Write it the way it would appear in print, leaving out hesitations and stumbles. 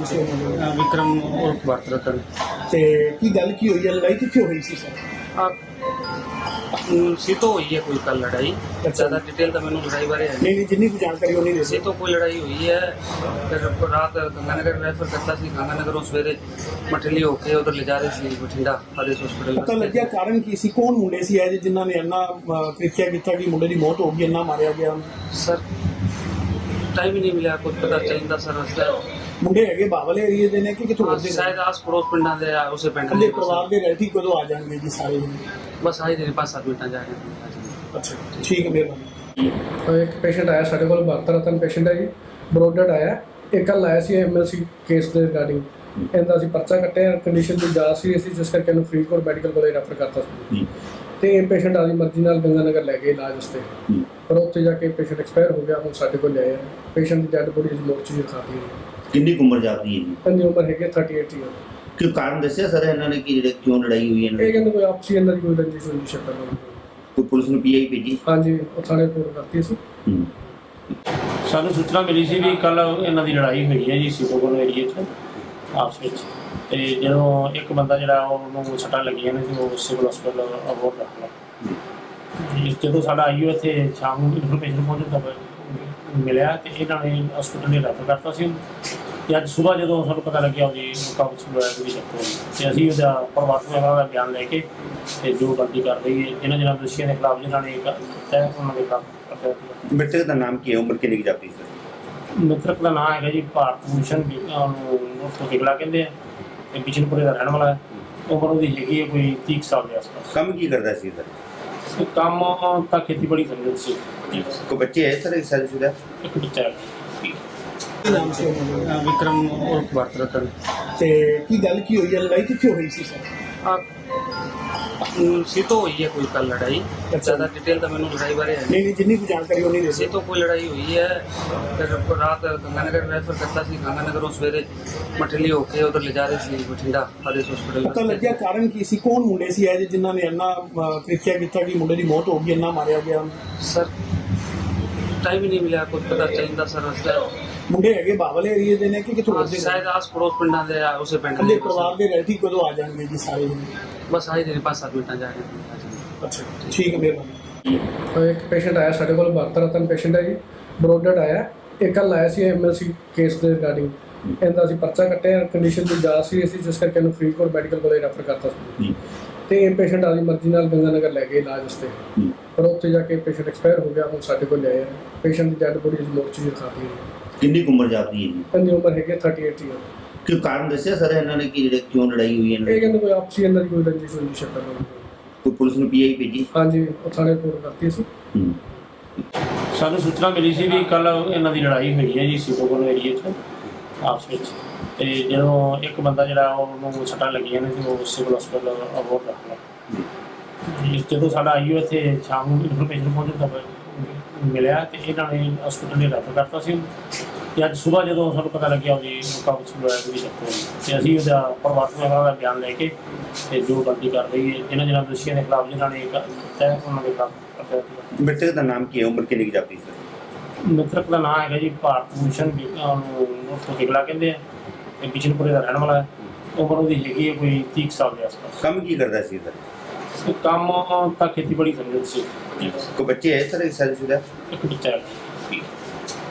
ਨਾਮ ਸੀ ਉਹਨਾਂ ਦਾ? ਵਿਕਰਮ ਉਰਫ ਵਰਤਰਤਨ। ਤੇ ਕੀ ਗੱਲ ਕੀ ਹੋਈ ਹੈ? ਲੜਾਈ ਕਿੱਥੇ ਹੋਈ ਸੀ ਸਰ? ਸੀਤੋਂ ਹੋਈ ਹੈ ਕੋਈ ਕੱਲ ਲੜਾਈ। ਜ਼ਿਆਦਾ डिटेल ਤਾਂ ਮੈਨੂੰ ਲੜਾਈ ਬਾਰੇ ਹੈ ਨਹੀਂ ਜਿੰਨੀ ਕੁ ਜਾਣਕਾਰੀ ਉਹਨੀ ਦੇ ਸੀਤੋਂ ਕੋਈ ਲੜਾਈ ਹੋਈ ਹੈ। ਫਿਰ ਰਾਤ ਗੰਗਾਨਗਰ ਰੈਫਰ ਕਰਤਾ ਸੀ। ਗੰਗਾਨਗਰੋਂ ਸਵੇਰੇ ਮਠਲੀ ਹੋ ਕੇ ਉਧਰ ਲੈ ਜਾ ਰਹੇ ਸੀ ਬਠਿੰਡਾ ਆਦੇਸ਼ ਹਸਪੀਟਲ। ਪਤਾ ਲੱਗਿਆ ਕਾਰਨ ਕੀ ਸੀ? ਕੌਣ ਮੁੰਡੇ ਸੀ ਇਹ ਜਿਨ੍ਹਾਂ ਨੇ ਇੰਨਾ ਕ੍ਰਿਤਿਆ ਕੀਤਾ ਕਿ ਮੁੰਡੇ ਦੀ ਮੌਤ ਹੋ ਗਈ, ਇੰਨਾ ਮਾਰਿਆ ਗਿਆ? ਸਰ ਟਾਈਮ ਹੀ ਨਹੀਂ ਮਿਲਿਆ ਕੁਝ ਪਤਾ ਚੱਲਦਾ ਸਰ। ਰਸਤਾ ਮੁੰਡੇ ਹੈਗੇ ਬਾਵਲ ਏਰੀਏ ਦੇ ਨੇ ਕਿ ਕਿਥੋਂ ਦੇ? ਸ਼ਾਇਦ ਆਸ ਪੜੋਸ ਪਿੰਡਾਂ ਦੇ ਆ, ਉਸੇ ਪਿੰਡ ਕੱਲੇ ਦੇ ਪਰਿਵਾਰ ਦੇ ਰਹਿਤੀ ਕਦੋਂ ਆ ਜਾਣਗੇ ਜੀ ਸਾਰੇ? ਬਸ ਆਹੀ ਦੇ 5-7 ਮਿੰਟਾਂ ਜਾ ਰਹੇ हैं। ਅੱਛਾ ਠੀਕ ਹੈ, ਮਿਹਰਬਾਨੀ। ਇੱਕ ਪੇਸ਼ੈਂਟ ਆਇਆ ਸਾਡੇ ਕੋਲ, ਵਰਤਰਤਨ ਪੇਸ਼ੈਂਟ ਹੈ ਜੀ, ਬਰੋਡਡ ਆਇਆ। ਇਹ ਕੱਲ੍ਹ ਆਇਆ ਸੀ ਐਮਐਲਸੀ ਕੇਸ ਦੇ ਰਿਗਾਰਡਿੰਗ। ਇਹਦਾ ਅਸੀਂ ਪਰਚਾ ਕੱਟਿਆ, ਕੰਡੀਸ਼ਨ ਦੀ ਜ਼ਿਆਦਾ ਸੀਰੀਅਸ ਸੀ ਜਿਸ ਕਰਕੇ ਇਹਨੂੰ ਫਰੀਦਕੋਟ ਮੈਡੀਕਲ ਕੋਲੇਜ ਰੈਫਰ ਕਰਤਾ ਸੀ। ਤੇ ਇਹ ਪੇਸ਼ੈਂਟ ਆਪਣੀ ਮਰਜ਼ੀ ਨਾਲ ਗੰਗਾਨਗਰ ਲੈ ਗਏ ਇਲਾਜ ਵਾਸਤੇ, ਪਰ ਉੱਥੇ ਜਾ ਕੇ ਪੇਸ਼ੈਂਟ ਐਕਸਪਾਇਰ ਹੋ ਗਿਆ। ਹੁਣ ਸਾਡੇ ਕੋਲ ਲਿਆਏ ਪੇਸ਼ੈਂਟ ਦੀ ਡੈਡ ਬੋਡੀ ਅਸੀਂ ਮੋਰਚੇ 'ਚ ਰਖਾਤੀ ਹੈ। ਕਿੰਨੀ ਕੁ ਉਮਰ ਜਾਪਦੀ ਹੈ ਜੀ? ਇਹਦੀ ਉਮਰ ਹੈਗੀ 38 ਈਅਰ। ਕਿ ਕਾਰਨ ਦੱਸਿਆ ਸਰ ਇਹਨਾਂ ਨੇ ਕਿ ਜਿਹੜੇ ਕਿਉਂ ਲੜਾਈ ਹੋਈ ਇਹਨਾਂ ਇਹ ਦੀ? ਕਹਿੰਦੇ ਕੋਈ ਆਪਸੀ ਇਹਨਾਂ ਦੀ ਕੋਈ ਰੰਜਿਸ਼ ਹੋਈ ਸ਼ਕਲ ਹੋਈ। ਕੋਈ ਪੁਲਿਸ ਨੂੰ ਪੀਆਈ ਭੇਜੀ? ਹਾਂਜੀ, ਉਹ ਥਾਣੇ ਰਿਪੋਰਟ ਕਰਤੀ ਅਸੀਂ। ਸਾਨੂੰ ਸੂਚਨਾ ਮਿਲੀ ਸੀ ਵੀ ਕੱਲ ਇਹਨਾਂ ਦੀ ਲੜਾਈ ਹੋਈ ਹੈ ਜੀ ਸੀਤੋਗੜ ਏਰੀਏ 'ਚ ਆਪਸ ਵਿੱਚ। ਤੇ ਜਦੋਂ ਇੱਕ ਬੰਦਾ ਜਿਹੜਾ ਉਹਨੂੰ ਸੱਟਾਂ ਲੱਗੀਆਂ ਨੇ ਤੇ ਉਹ ਸਿਵਲ ਹਸਪਤਾਲ ਅਬੋਹਰ ਰੱਖ ਲਿਆ। ਜਦੋਂ ਸਾਡਾ ਆਈਓ ਇੱਥੇ ਸ਼ਾਮ ਨੂੰ ਇਨਫੋਰਮੇਸ਼ਨ ਪਹੁੰਚਣ ਦਾ ਮਿਲਿਆ ਤੇ ਇਹਨਾਂ ਨੇ ਹਸਪਤਾਲ ਨੇ ਰੈਫਰ ਕਰਤਾ ਸੀ। ਤੇ ਅੱਜ ਸਵੇਰ ਜਦੋਂ ਸਾਨੂੰ ਪਤਾ ਲੱਗਿਆ ਉਹਦੀ ਕਾਬੂ ਹੋਇਆ ਉਹਦੀ ਡੈਥ ਹੋ ਗਈ। ਤੇ ਅਸੀਂ ਉਹਦਾ ਪਰਿਵਾਰ ਦਾ ਬਿਆਨ ਲੈ ਕੇ ਤੇ ਜੋ ਬੰਦੀ ਕਰ ਰਹੀ ਹੈ ਇਹਨਾਂ ਦੋਸ਼ੀਆਂ ਦੇ ਖਿਲਾਫ ਜਿਨ੍ਹਾਂ ਨੇ ਕੀਤਾ ਉਹਨਾਂ ਦੇ ਖਿਲਾਫ। ਮ੍ਰਿਤਕ ਦਾ ਨਾਮ ਕੀ ਹੈ? ਉਮਰ ਕਿੰਨੀ ਕੁ ਜਾਪਦੀ ਸਰ? ਮ੍ਰਿਤਕ ਦਾ ਨਾਮ ਹੈਗਾ ਜੀ ਭਾਰਤ ਭੂਸ਼ਣ, ਉਹਨੂੰ ਬਿਗਲਾ ਕਹਿੰਦੇ ਆ। ਤੇ ਬਿਸ਼ਨਪੁਰੇ ਦਾ ਰਹਿਣ ਵਾਲਾ ਹੈ। ਉਮਰ ਉਹਦੀ ਹੈਗੀ ਹੈ ਕੋਈ 30 ਸਾਲ ਦੇ ਆਸ-ਪਾਸ। ਕੰਮ ਕੀ ਕਰਦਾ ਸੀ ਸਰ? ਤੇ ਕੰਮ ਤਾਂ ਖੇਤੀਬਾੜੀ ਸਮਝਦੇ ਸੀ। ਕੋਈ ਬੱਚੇ ਹੈ ਸਰ? ਇੱਕ ਸ਼ਾਦੀशुदा ਇੱਕ ਬੱਚਾ ਹੈ। ਕੀ ਨਾਮ ਸੀ ਉਹਨਾਂ ਦਾ? ਵਿਕਰਮ ਉਰਫ ਵਰਤਰਤਨ। ਤੇ ਕੀ ਗੱਲ ਕੀ ਹੋਈ ਹੈ? ਲੜਾਈ ਕਿੱਥੇ ਹੋਈ ਸੀ ਸਰ? ਸੀਤੋਂ ਹੋਈ ਹੈ ਕੋਈ ਕੱਲ ਲੜਾਈ। ਜ਼ਿਆਦਾ डिटेल ਤਾਂ ਮੈਨੂੰ ਲੜਾਈ ਬਾਰੇ ਹੈ ਨਹੀਂ ਜਿੰਨੀ ਕੁ ਜਾਣਕਾਰੀ ਉਹਨੀ ਦੇ ਸੀਤੋਂ ਕੋਈ ਲੜਾਈ ਹੋਈ ਹੈ। ਫਿਰ ਰਾਤ ਗੰਗਾਨਗਰ ਰੈਫਰ ਕਰਤਾ ਸੀ। ਗੰਗਾਨਗਰੋਂ ਸਵੇਰੇ ਮਠਲੀ ਹੋ ਕੇ ਉਧਰ ਲੈ ਜਾ ਰਹੇ ਸੀ ਬਠਿੰਡਾ ਆਦੇਸ਼ ਹਸਪੀਟਲ। ਪਤਾ ਲੱਗਿਆ ਕਾਰਨ ਕੀ ਸੀ? ਕੌਣ ਮੁੰਡੇ ਸੀ ਇਹ ਜਿਨ੍ਹਾਂ ਨੇ ਇੰਨਾ ਕ੍ਰਿਤਿਆ ਕੀਤਾ ਕਿ ਮੁੰਡੇ ਦੀ ਮੌਤ ਹੋ ਗਈ, ਇੰਨਾ ਮਾਰਿਆ ਗਿਆ? ਸਰ ਟਾਈਮ ਹੀ ਨਹੀਂ ਮਿਲਿਆ ਕੁਝ ਪਤਾ ਚੱਲਦਾ ਸਰ। ਰਸਤਾ ਮੁੰਡੇ ਹੈਗੇ ਬਾਵਲ ਏਰੀਏ ਦੇ ਨੇ ਕਿ ਕਿਥੋਂ ਦੇ? ਸ਼ਾਇਦ ਆਸ ਪੜੋਸ ਪਿੰਡਾਂ ਦੇ ਆ, ਉਸੇ ਪਿੰਡ ਕੱਲੇ ਦੇ ਪਰਿਵਾਰ ਦੇ ਰਹਿਤੀ ਕਦੋਂ ਆ ਜਾਣਗੇ ਜੀ ਸਾਰੇ? ਬਸ ਆਹੀ ਦੇ 5-7 ਮਿੰਟਾਂ ਜਾ ਰਹੇ हैं। ਅੱਛਾ ਠੀਕ ਹੈ, ਮਿਹਰਬਾਨੀ। ਇੱਕ ਪੇਸ਼ੈਂਟ ਆਇਆ ਸਾਡੇ ਕੋਲ, ਵਰਤਰਤਨ ਪੇਸ਼ੈਂਟ ਹੈ ਜੀ, ਬਰੋਡਡ ਆਇਆ। ਇਹ ਕੱਲ੍ਹ ਆਇਆ ਸੀ ਐਮਐਲਸੀ ਕੇਸ ਦੇ ਰਿਗਾਰਡਿੰਗ। ਇਹਦਾ ਅਸੀਂ ਪਰਚਾ ਕੱਟਿਆ, ਕੰਡੀਸ਼ਨ ਦੀ ਜ਼ਿਆਦਾ ਸੀਰੀਅਸ ਸੀ ਜਿਸ ਕਰਕੇ ਇਹਨੂੰ ਫਰੀਦਕੋਟ ਮੈਡੀਕਲ ਕੋਲੇਜ ਰੈਫਰ ਕਰਤਾ ਸੀ। ਤੇ ਇਹ ਪੇਸ਼ੈਂਟ ਆਪਣੀ ਮਰਜ਼ੀ ਨਾਲ ਗੰਗਾਨਗਰ ਲੈ ਗਏ ਇਲਾਜ ਵਾਸਤੇ, ਪਰ ਉੱਥੇ ਜਾ ਕੇ ਪੇਸ਼ੈਂਟ ਐਕਸਪਾਇਰ ਹੋ ਗਿਆ। ਹੁਣ ਸਾਡੇ ਕੋਲ ਲਿਆਏ ਪੇਸ਼ੈਂਟ ਦੀ ਡੈਡ ਬੋਡੀ ਅਸੀਂ ਮੋਰਚੇ 'ਚ ਰਖਾਤੀ ਹੈ। ਕਿੰਨੀ ਕੁ ਉਮਰ ਜਾਪਦੀ ਹੈ ਜੀ? ਇਹਦੀ ਉਮਰ ਹੈਗੀ 38 ਈਅਰ। ਕਿ ਕਾਰਨ ਦੱਸਿਆ ਸਰ ਇਹਨਾਂ ਨੇ ਕਿ ਜਿਹੜੇ ਕਿਉਂ ਲੜਾਈ ਹੋਈ ਇਹਨਾਂ ਇਹ ਦੀ? ਕਹਿੰਦੇ ਕੋਈ ਆਪਸੀ ਇਹਨਾਂ ਦੀ ਕੋਈ ਰੰਜਿਸ਼ ਹੋਈ ਸ਼ਕਲ ਹੋਈ। ਕੋਈ ਪੁਲਿਸ ਨੂੰ ਪੀਆਈ ਭੇਜੀ? ਹਾਂਜੀ, ਉਹ ਥਾਣੇ ਰਿਪੋਰਟ ਕਰਤੀ ਅਸੀਂ। ਸਾਨੂੰ ਸੂਚਨਾ ਮਿਲੀ ਸੀ ਵੀ ਕੱਲ ਇਹਨਾਂ ਦੀ ਲੜਾਈ ਹੋਈ ਹੈ ਜੀ ਸੀਤੋਗੜ ਏਰੀਏ 'ਚ ਆਪਸ ਵਿੱਚ। ਤੇ ਜਦੋਂ ਇੱਕ ਬੰਦਾ ਜਿਹੜਾ ਉਹਨੂੰ ਸੱਟਾਂ ਲੱਗੀਆਂ ਨੇ ਤੇ ਉਹ ਸਿਵਲ ਹਸਪਤਾਲ ਅਬੋਹਰ ਰੱਖ ਲਿਆ। ਜਦੋਂ ਸਾਡਾ ਆਈਓ ਇੱਥੇ ਸ਼ਾਮ ਨੂੰ ਇਨਫੋਰਮੇਸ਼ਨ ਪਹੁੰਚਣ ਦਾ ਮਿਲਿਆ ਤੇ ਇਹਨਾਂ ਨੇ ਹਸਪਤਾਲ ਨੇ ਰੈਫਰ ਕਰਤਾ ਸੀ। ਤੇ ਅੱਜ ਸਵੇਰ ਜਦੋਂ ਸਾਨੂੰ ਪਤਾ ਲੱਗਿਆ ਉਹਦੀ ਕਾਬੂ ਹੋਇਆ ਉਹਦੀ ਡੈਥ ਹੋ ਗਈ। ਤੇ ਅਸੀਂ ਉਹਦਾ ਪਰਿਵਾਰ ਦਾ ਬਿਆਨ ਲੈ ਕੇ ਤੇ ਜੋ ਬੰਦੀ ਕਰ ਰਹੀ ਹੈ ਇਹਨਾਂ ਦੋਸ਼ੀਆਂ ਦੇ ਖਿਲਾਫ ਜਿਨ੍ਹਾਂ ਨੇ ਕੀਤਾ ਉਹਨਾਂ ਦੇ ਖਿਲਾਫ। ਮ੍ਰਿਤਕ ਦਾ ਨਾਮ ਕੀ ਹੈ? ਉਮਰ ਕਿੰਨੀ ਕੁ ਜਾਪਦੀ ਸਰ? ਮ੍ਰਿਤਕ ਦਾ ਨਾਮ ਹੈਗਾ ਜੀ ਭਾਰਤ ਭੂਸ਼ਣ, ਉਹਨੂੰ ਬਿਗਲਾ ਕਹਿੰਦੇ ਆ। ਤੇ ਬਿਸ਼ਨਪੁਰੇ ਦਾ ਰਹਿਣ ਵਾਲਾ ਹੈ। ਉਮਰ ਉਹਦੀ ਹੈਗੀ ਹੈ ਕੋਈ 30 ਸਾਲ ਦੇ ਆਸ-ਪਾਸ। ਕੰਮ ਕੀ ਕਰਦਾ ਸੀ ਸਰ? ਤੇ ਕੰਮ ਤਾਂ ਖੇਤੀਬਾੜੀ ਸਮਝਦੇ ਸੀ। ਕੋਈ ਬੱਚੇ ਹੈ ਸਰ? ਇੱਕ ਸ਼ਾਦੀशुदा ਇੱਕ ਬੱਚਾ ਹੈ।